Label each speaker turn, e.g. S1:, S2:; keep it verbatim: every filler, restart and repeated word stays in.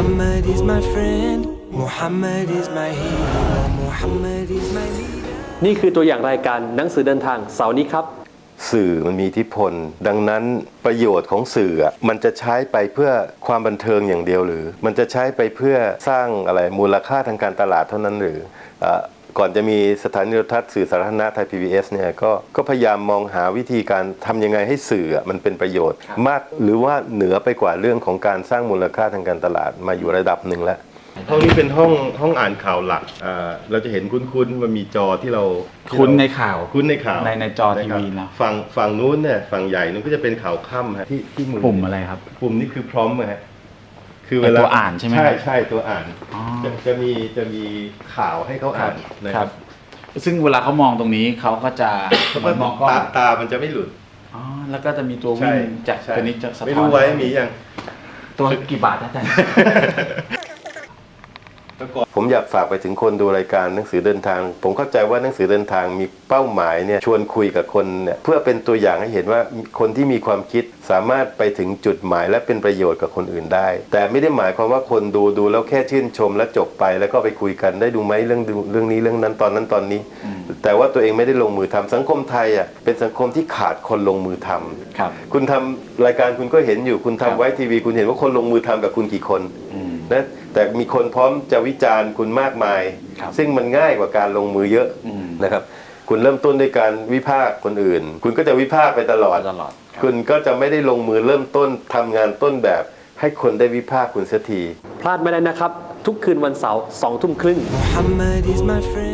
S1: Muhammad is my friend Muhammad is my hero Muhammad is my leader
S2: นี่คือตัวอย่างรายการหนังสือเดินทางเสาร์นี้ครับ
S3: สื่อมันมีอิทธิพลดังนั้นประโยชน์ของสื่อมันจะใช้ไปเพื่อความบันเทิงอย่างเดียวหรือมันจะใช้ไปเพื่อสร้างอะไรมูลค่าทางการตลาดเท่านั้นหรือก่อนจะมีสถานีโทรทัศน์สื่อสาธารณะไทย พี บี เอส เนี่ยก็ก็พยายามมองหาวิธีการทำยังไงให้สื่อมันเป็นประโยชน์มากหรือว่าเหนือไปกว่าเรื่องของการสร้างมูลค่าทางการตลาดมาอยู่ระดับหนึ่งแล้วห้องนี้เป็นห้องห้องอ่านข่าวหลักเราจะเห็นคุ้นๆมันมีจอที่เรา
S4: คุ้นในข่าว
S3: คุ้นในข่าว
S4: ในในจอทีวีนะ
S3: ฝั่งฝั่งนู้นเนี่ยฝั่งใหญ่นู้นก็จะเป็นข่าวค่ำฮะที่ที่มือ
S4: ปุ่มอะไรครับ
S3: ปุ่มนี้คือพร้อมฮะ
S4: คือเวลาตัวอ่านใช่ไหม
S3: ใช่ใช่ตัวอ่านจะจะมีจะมีข่าวให้เขาอ่านนะครับ
S4: ซึ่งเวลาเขามองตรงนี้เขาก็จะ
S3: มองตาตามันจะไม่หลุด
S4: อ๋อแล้วก็จะมีตัววิ่งจากตัวนี้จะสะท้อน
S3: ไม่รู้ไว้มียัง
S4: ตัวกี่บาทนะอาจารย์
S3: ผมอยากฝากไปถึงคนดูรายการหนังสือเดินทางผมเข้าใจว่าหนังสือเดินทางมีเป้าหมายเนี่ยชวนคุยกับคนเนี่ยเพื่อเป็นตัวอย่างให้เห็นว่าคนที่มีความคิดสามารถไปถึงจุดหมายและเป็นประโยชน์กับคนอื่นได้แต่ไม่ได้หมายความว่าคนดูดูแล้วแค่ชื่นชมแล้วจบไปแล้วก็ไปคุยกันได้ดูไหมเรื่องเรื่องนี้เรื่องนั้นตอนนั้นตอนนี้แต่ว่าตัวเองไม่ได้ลงมือทำสังคมไทยอ่ะเป็นสังคมที่ขาดคนลงมือทำ
S4: ครับ
S3: คุณทำรายการคุณก็เห็นอยู่คุณทำไว้ทีวีคุณเห็นว่าคนลงมือทำกับคุณกี่คนนะแต่มีคนพร้อมจะวิจารณ์คุณมากมายซึ่งมันง่ายกว่าการลงมือเยอะนะครับคุณเริ่มต้นด้วยการวิพากษ์คนอื่นคุณก็จะวิพากษ์ไปตลอดคุณก็จะไม่ได้ลงมือเริ่มต้นทำงานต้นแบบให้คนได้วิพากษ์คุณเสียที
S2: พลาดไม่ได้นะครับทุกคืนวันเสาร์สองทุ่มครึ่ง
S1: Muhammad is my friend